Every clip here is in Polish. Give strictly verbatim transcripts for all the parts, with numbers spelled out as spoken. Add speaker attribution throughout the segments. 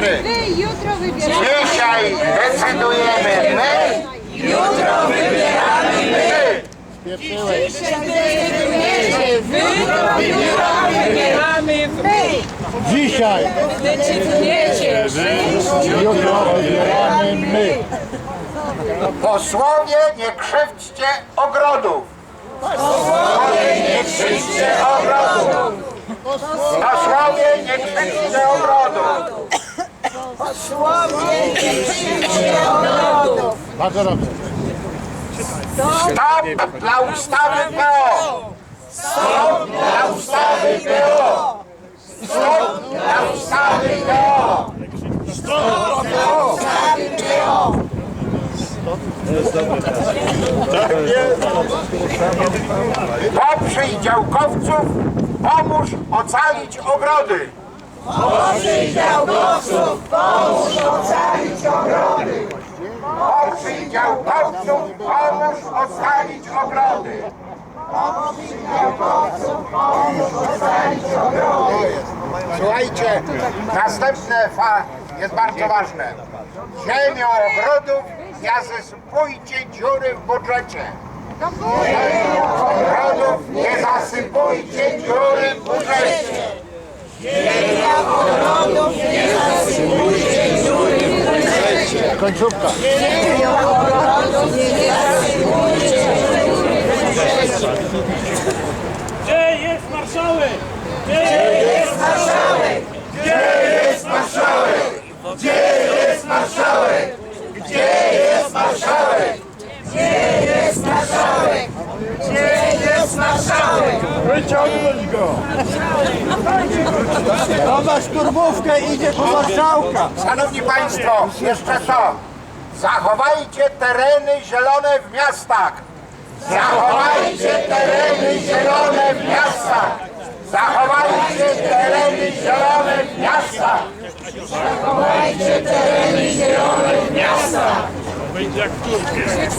Speaker 1: siostry,
Speaker 2: My jutro wybieramy.
Speaker 1: dzisiaj decydujemy my,
Speaker 3: Jutro wybieramy my.
Speaker 2: Dzisiaj decydujecie wy. Jutro wybieramy my.
Speaker 4: Dzisiaj,
Speaker 2: Decydujecie wy.
Speaker 4: jutro wybieramy my.
Speaker 1: posłowie, nie krzywdźcie ogrodów. Posłowie, nie krzywdźcie ogrodów. Posłowie, nie krzywdźcie ogrodów.
Speaker 2: Posłowie, nie krzywdźcie ogrodów.
Speaker 4: Bardzo dobrze.
Speaker 1: Stop dla ustawy P O! Stop dla ustawy P O! Stop dla ustawy P O! Stop dla ustawy P O! Poprzyj działkowców, pomóż ocalić ogrody.
Speaker 3: Poprzyj działkowców, pomóż ocalić ogrody.
Speaker 1: Poprzyj działkowców, pomóż ocalić ogrody. Słuchajcie, następne fa jest bardzo ważne. Ziemią ogrodów nie zasypujcie dziury w budżecie. Ziemią ogrodów nie zasypujcie dziury w budżecie.
Speaker 3: Ziemia ogrodów nie zasypujcie dziury w budżecie.
Speaker 4: Końcówka.
Speaker 3: Ziemia ogrodów nie zasypujcie dziury w budżecie.
Speaker 5: Gdzie jest marszałek?
Speaker 3: Gdzie jest marszałek?
Speaker 1: Gdzie jest marszałek? Gdzie jest marszałek? Gdzie jest marszałek?
Speaker 3: Gdzie jest marszałek? Gdzie jest marszałek?
Speaker 4: Wyciągnąć go. Nowa szturmówkę idzie po marszałka.
Speaker 1: Szanowni Państwo, jeszcze to. Zachowajcie tereny zielone w miastach. Zachowajcie tereny zielone w miastach. Zachowajcie tereny zielone w miastach.
Speaker 3: Zachowajcie tereny zielone w miastach.
Speaker 5: Będzie jak w Turcji.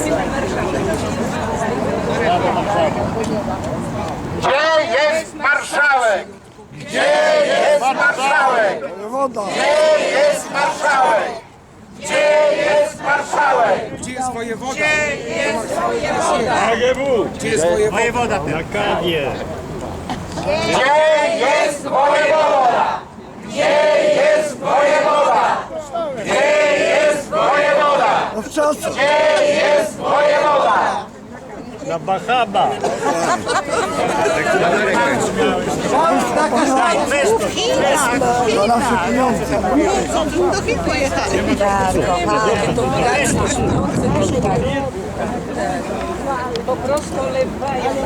Speaker 1: Gdzie jest marszałek? Gdzie jest marszałek? Gdzie jest marszałek? Gdzie jest marszałek?
Speaker 6: Gdzie jest wojewoda?
Speaker 3: Gdzie jest wojewoda?
Speaker 5: A G W!
Speaker 6: Gdzie jest wojewoda?
Speaker 5: Wojewoda na kawie.
Speaker 1: Gdzie jest wojewoda? Gdzie jest wojewoda? Gdzie jest wojewoda? Gdzie jest wojewoda?
Speaker 5: Na Bahama.
Speaker 2: Do Chin pojechali. Po prostu lewają.